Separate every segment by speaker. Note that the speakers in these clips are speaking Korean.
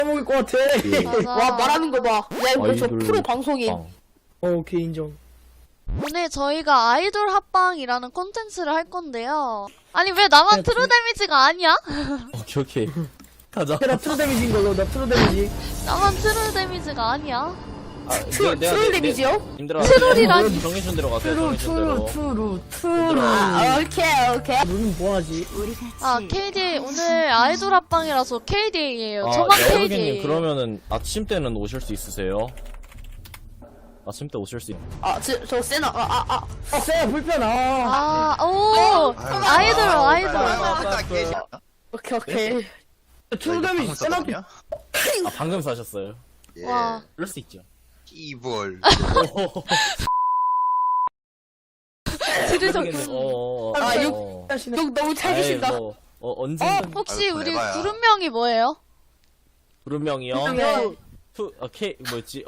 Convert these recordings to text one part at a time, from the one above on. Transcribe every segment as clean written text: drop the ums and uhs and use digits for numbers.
Speaker 1: 먹을 것 같아.
Speaker 2: 맞아.
Speaker 3: 와 말하는 거 봐. 야 이거 저
Speaker 4: 아이돌
Speaker 3: 프로 방송인.
Speaker 4: 빵.
Speaker 1: 오케이 인정.
Speaker 2: 오늘 저희가 아이돌 합방이라는 콘텐츠를 할 건데요. 아니 왜 나만
Speaker 1: 네,
Speaker 2: 트루 데미지가 아니야?
Speaker 4: 오케이 오케이. 가자.
Speaker 1: 나 트루 데미지인 걸로. 나 트루 데미지.
Speaker 2: 나만 트루 데미지가 아니야?
Speaker 3: 트롤 데미지요?
Speaker 4: 님들아.
Speaker 2: 트롤이라니.
Speaker 4: 정해준 대로 가세요.
Speaker 1: 트루
Speaker 4: 정해준 대로.
Speaker 1: 트루.
Speaker 3: 아 오케이.
Speaker 1: 너는 뭐하지?
Speaker 2: 아 KDA 오늘 아이돌 합방이라서 KDA예요.
Speaker 4: 아,
Speaker 2: 저만
Speaker 4: 여러분님
Speaker 2: KDA.
Speaker 4: 그러면은 아침 때는 오실 수 있으세요? 아침 때 오실 수 있...
Speaker 3: 저 세나
Speaker 1: 쎄 불편하.
Speaker 2: 오 아이돌 아이돌.
Speaker 3: 오케이.
Speaker 1: 트루 데미지 세나피.
Speaker 4: 아, 방금 사셨어요.
Speaker 5: 예.
Speaker 2: 와.
Speaker 4: 그럴 수 있죠.
Speaker 5: 이벌.
Speaker 2: 들으셨군.
Speaker 1: 하시네.
Speaker 3: 형 너무 잘 계신다.
Speaker 4: 뭐, 언젠간
Speaker 2: 혹시
Speaker 5: 아이고,
Speaker 2: 우리
Speaker 5: 해봐야.
Speaker 2: 그룹명이 뭐예요?
Speaker 4: 구름명이요.
Speaker 3: 형
Speaker 4: K 뭐였지?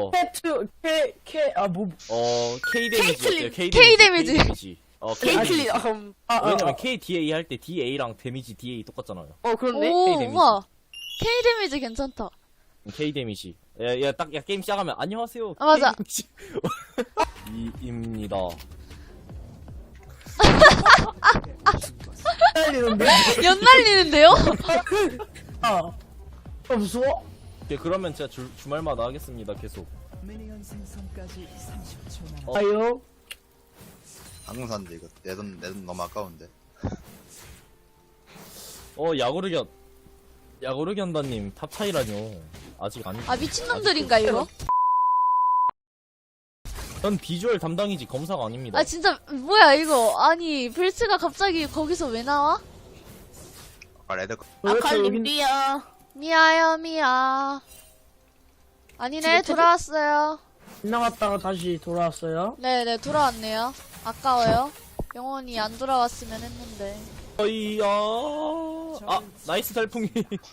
Speaker 1: 뭐.
Speaker 4: K 데미지 어때요?
Speaker 2: K 데미지.
Speaker 4: K 데미지.
Speaker 3: 케이틀린
Speaker 4: 왜냐면 K DA 할 때 DA랑 데미지 DA 똑같잖아요.
Speaker 3: 그렇네.
Speaker 2: 오
Speaker 4: K 데미지.
Speaker 2: 우와. K 데미지 괜찮다.
Speaker 4: K 데미지. 야 게임 시작하면 안녕하세요.
Speaker 2: 아, 맞아.
Speaker 4: K 데미지. 입니다.
Speaker 1: 날리는데.
Speaker 2: 연날리는데요?
Speaker 1: 무서워.
Speaker 4: 오케이, 그러면 제가 주말마다 하겠습니다. 계속.
Speaker 1: 아유.
Speaker 5: 방금 샀는데 이거 내 돈 너무 아까운데.
Speaker 4: 야구르견다님 탑 차이라뇨. 아직 안.
Speaker 2: 아 미친놈들인가 이거?
Speaker 4: 전 비주얼 담당이지 검사가 아닙니다.
Speaker 2: 아 진짜 뭐야 이거? 아니 벨츠가 갑자기 거기서 왜 나와?
Speaker 5: 아까 레드
Speaker 3: 아칼림비야.
Speaker 2: 미아요 미아. 아니네 돌아왔어요.
Speaker 1: 지나갔다가 다시 돌아왔어요.
Speaker 2: 네네 돌아왔네요. 아까워요. 영원히 안 돌아왔으면 했는데.
Speaker 4: 어이야. 아 나이스 달풍이.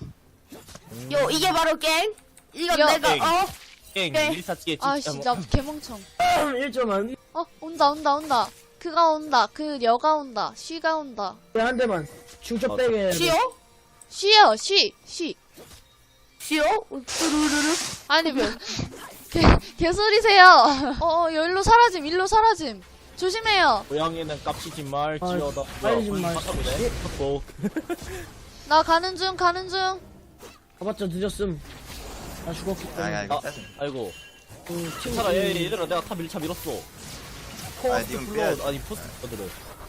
Speaker 3: 이게 바로 갱. 이건
Speaker 2: 야.
Speaker 3: 내가
Speaker 4: 땡
Speaker 3: 네.
Speaker 4: 1사찌개
Speaker 2: 아 진짜 개멍청.
Speaker 1: 1점만.
Speaker 2: 온다. 그가 온다. 그 여가 온다. 쉬가 온다.
Speaker 1: 한 대만. 중첩 빼게.
Speaker 3: 쉬어?
Speaker 2: 쉬요 쉬.
Speaker 3: 쉬어? 뚜루루루.
Speaker 2: 아니 뭐 개소리세요. 일로 사라짐. 조심해요.
Speaker 4: 고양이는 깝치지 말
Speaker 1: 아,
Speaker 4: 지어다.
Speaker 1: 빨리 좀 말.
Speaker 4: 복.
Speaker 2: 나 가는 중.
Speaker 1: 가봤자 늦었음. 나 죽었기 때문에.
Speaker 5: 아야 이거
Speaker 4: 아,
Speaker 5: 짜증.
Speaker 4: 아이고.
Speaker 1: 친구.
Speaker 4: 괜찮아 얘들아 내가 탑 1차 밀었어.
Speaker 5: 아니 지금 빼야지.
Speaker 4: 아니 포스터들을.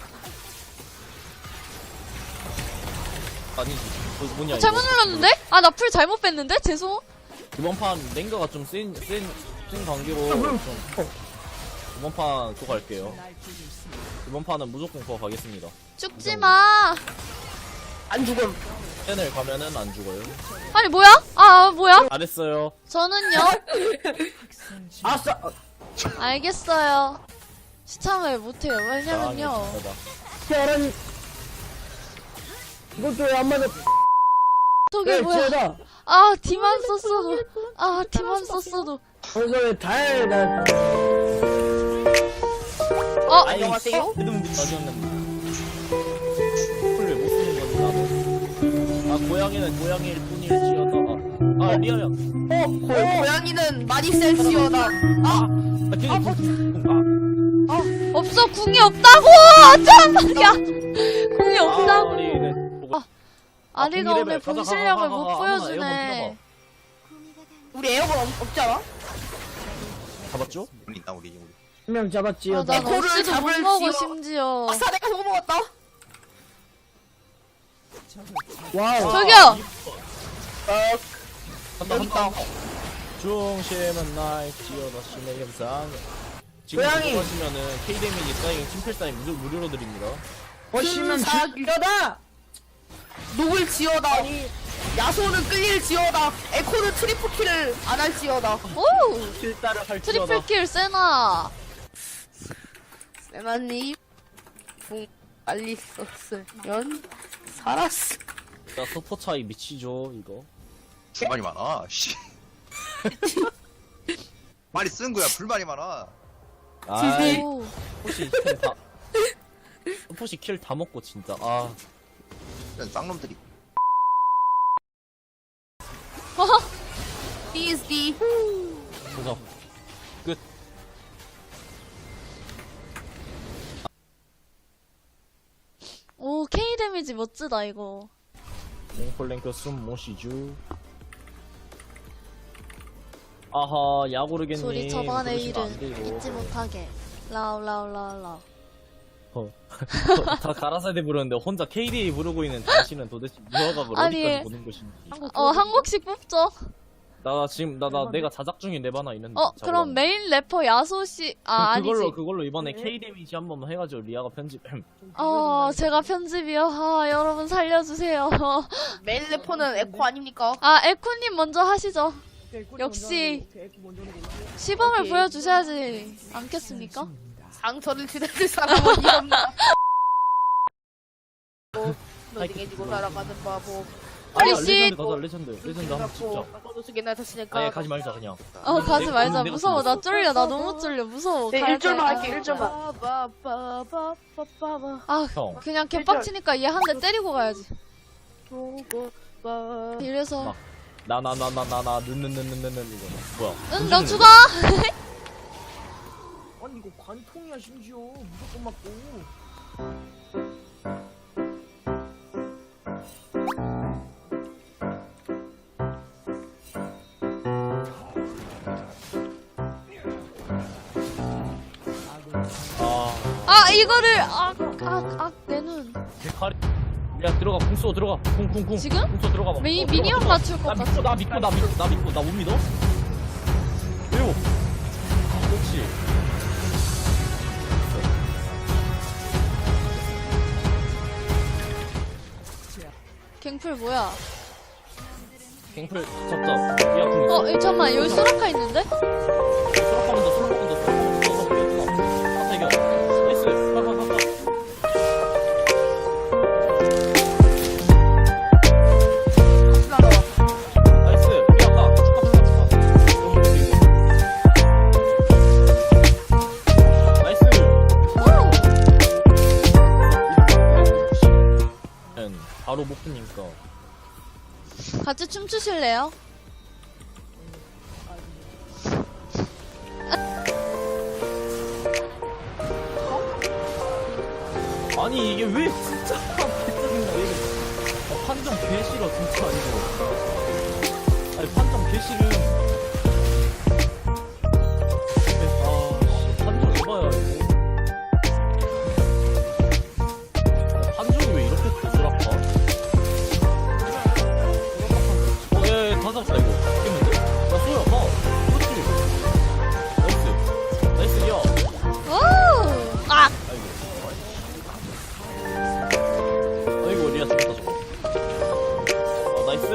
Speaker 4: 아니지. 뭐냐
Speaker 2: 잘못
Speaker 4: 이거.
Speaker 2: 눌렀는데? 아 나 풀 잘못 뺐는데? 죄송.
Speaker 4: 이번 판 랭가가 좀 센 관계로 좀 이번 판 그거 갈게요. 이번 판은 무조건 그거 가겠습니다.
Speaker 2: 죽지 마.
Speaker 3: 안 죽음.
Speaker 4: 팬을 가면은 안 죽어요.
Speaker 2: 아니 뭐야? 뭐야?
Speaker 4: 잘했어요.
Speaker 2: 저는요.
Speaker 1: 아싸.
Speaker 2: 알겠어요. 시참을 못해요. 왜냐면요.
Speaker 1: 태어난. 이것도 왜 안 맞아?
Speaker 2: 저게 뭐야?
Speaker 1: 지어다.
Speaker 2: 디만 썼어도.
Speaker 1: 거기서 왜 달.
Speaker 3: 안녕하세요.
Speaker 4: 헤드문이 아니었는데. 풀 왜 못 쓰는 건지 나도. 고양이는 고양이일 뿐일지어다. 리아야.
Speaker 3: 고양이는 많이 셀지어다.
Speaker 2: 없어. 궁이 없다고. 잠깐만야. 궁이 없다고. 아리가 오늘 본 실력을 못 보여주네.
Speaker 3: 우리 에어건 없잖아.
Speaker 4: 잡았죠?
Speaker 5: 우리 있나 우리.
Speaker 1: 한 명 잡았지요.
Speaker 2: 난
Speaker 3: 에코를
Speaker 2: 없이도 못
Speaker 3: 잡을
Speaker 2: 먹어
Speaker 3: 지어.
Speaker 2: 심지어.
Speaker 3: 아싸 내가 저거 먹었다.
Speaker 1: 와우.
Speaker 2: 저기요.
Speaker 4: 한다. 중심은 나의 지어다 심의 감상. 지금
Speaker 1: 고양이.
Speaker 4: 하시면은 K 데미지 사인 팀플 사인 무료로 드립니다.
Speaker 1: 어시면
Speaker 3: 사기.
Speaker 1: 죽여다.
Speaker 3: 녹을 지어다. 야소는 끌릴 지어다. 에코는 트리플 킬을 안 할 지어다.
Speaker 2: 오.
Speaker 4: 필따를 할
Speaker 2: 트리플 킬 세나.
Speaker 3: 세나님 궁 빨리 썼으면 살았어.
Speaker 4: 자 서포 차이 미치죠 이거.
Speaker 5: 불만이 많아. 씨. 말이 쓴 거야. 불만이 많아.
Speaker 4: 아이
Speaker 2: 오.
Speaker 4: 포시 킬 다 먹고 진짜
Speaker 5: 이런 쌍놈들이.
Speaker 3: DSD.
Speaker 4: 보자. 끝.
Speaker 2: 오, K 데미지 멋지다, 이거.
Speaker 4: 랭플랭크 숨 모시주. 아하, 야구르겠니.
Speaker 2: 소리 저반의
Speaker 4: 그러시면 안
Speaker 2: 일은
Speaker 4: 되고.
Speaker 2: 잊지 못하게. 라우.
Speaker 4: 다 가라사대 부르는데 혼자 KDA 부르고 있는 당신은 도대체 무화각을
Speaker 2: 아니,
Speaker 4: 어디까지 보는 것인지.
Speaker 2: 한 곡씩 뽑죠.
Speaker 4: 나 지금 내가 자작 중인 랩 하나 있는데.
Speaker 2: 그럼 메인 래퍼 야소씨, 아니지.
Speaker 4: 그걸로 이번에 K 데미지 한번 해가지고 리아가 편집.
Speaker 2: 제가 편집이요. 여러분 살려주세요.
Speaker 3: 메인 래퍼는 에코 아닙니까?
Speaker 2: 에코님 먼저 하시죠. 역시 시범을
Speaker 3: 오케이.
Speaker 2: 보여주셔야지 않겠습니까?
Speaker 3: 상처를 지내줄 사람은 없나? 너에게지고 살아가는 바보.
Speaker 2: 우리
Speaker 4: 아니야,
Speaker 2: 씨.
Speaker 4: 레전드 한번 찍자.
Speaker 3: 어두스게 날 탔으니까.
Speaker 4: 아예 가지 말자 그냥.
Speaker 2: 가지 말자.
Speaker 4: 내가
Speaker 2: 무서워. 나
Speaker 4: 찍었어.
Speaker 2: 쫄려. 나 너무 쫄려. 무서워.
Speaker 3: 네,
Speaker 2: 가야
Speaker 3: 1절만
Speaker 2: 돼.
Speaker 3: 할게, 1절만.
Speaker 4: 형.
Speaker 2: 그냥 개빡치니까 얘 한 대 때리고 가야지. 이래서
Speaker 4: 나나 느느느느느느 이거 뭐야?
Speaker 2: 응, 너 죽어.
Speaker 1: 아니 이거 관통이야 심지어 무조건 맞고.
Speaker 2: 이거를 내 눈.
Speaker 4: 대가리. 야 들어가 궁 쏘 들어가 궁
Speaker 2: 지금?
Speaker 4: 궁쏘 들어가 봐.
Speaker 2: 미니언
Speaker 4: 들어가.
Speaker 2: 맞출 것 같아.
Speaker 4: 나 믿고 나 못 믿어? 왜요? 그렇지.
Speaker 2: 갱플 뭐야?
Speaker 4: 갱플 잡자. 야 궁 있어.
Speaker 2: 잠깐만. 여기 소라카 있는데?
Speaker 4: 수락하면서 아타 이겨. 나이스. 가가. 나이스. 이겼다. 축하. 나이스. 바로 못 붙니까.
Speaker 2: 같이 춤추실래요?
Speaker 4: 아니 이게 왜 진짜 개짜증나 왜 이래. 판정 개 싫어 진짜 이거. 아니 판정 개 싫음. 판정 해봐야 이거. 판정이 왜 이렇게 부드럽다? 예, 다 잡았다 이거. 이겼는데? 야 쏘야 봐. 그렇지. 나이스 야.
Speaker 2: 오!
Speaker 4: 아이고 리아 죽었다 저거. 나이스.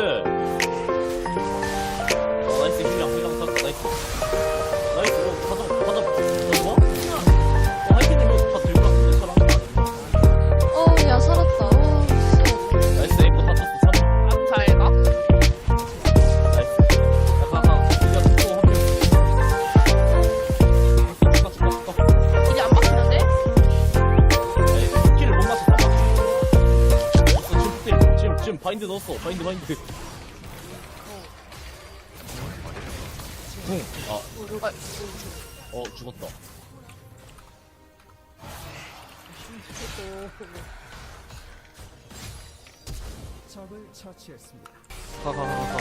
Speaker 4: 나이스 힐량 탔다 나이스. 나이스 이거 가자 뭐? 하이킹님 이거 다 들고 왔는데 사람
Speaker 2: 야, 살았다.
Speaker 4: 나이스 에이코 다 쳤어 3.
Speaker 3: 암살가?
Speaker 4: 나이스. 야 가가 리아 죽고 한 명. 죽어.
Speaker 3: 이제 안 바뀌는데?
Speaker 4: 키를 못 맞췄다. 지금 바인드 넣었어. 바인드. 궁. 죽었다.
Speaker 6: 적을 처치했습니다.
Speaker 4: 가.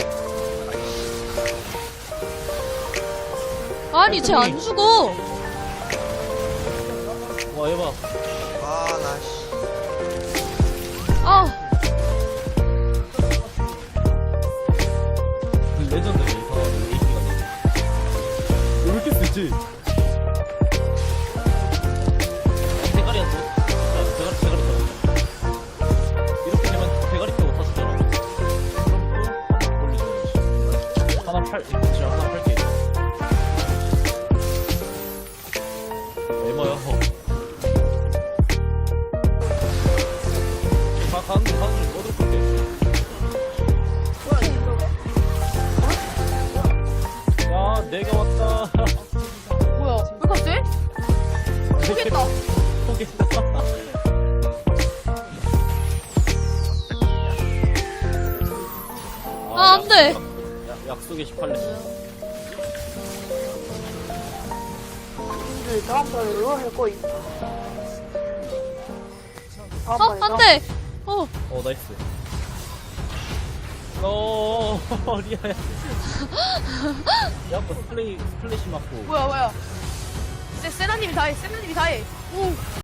Speaker 2: 아니, 쟤 안 죽어.
Speaker 4: 와, 얘봐.
Speaker 5: 나 씨.
Speaker 4: 레전드 이상한 AP가 왜 이렇게 쓰지? 대가리 안 써. 대가리 타고. 이렇게 되면 대가리 타고 타주잖아. 그럼 또 돌리는 거지. 하나 팔게. 얼마야? 가는 중 꺼들게. 야, 내가 왔다.
Speaker 3: 뭐야? 왜 갔지? 포기했다.
Speaker 4: 포기했다.
Speaker 2: 안 돼.
Speaker 4: 약속 왼쪽에 18렙.
Speaker 3: 님들 다음 달에 이거 할 거임.
Speaker 2: 안 돼!
Speaker 4: 어, 나이스. 리아야. 야, 스플래시 맞고.
Speaker 3: 뭐야. 세나님이 다 해.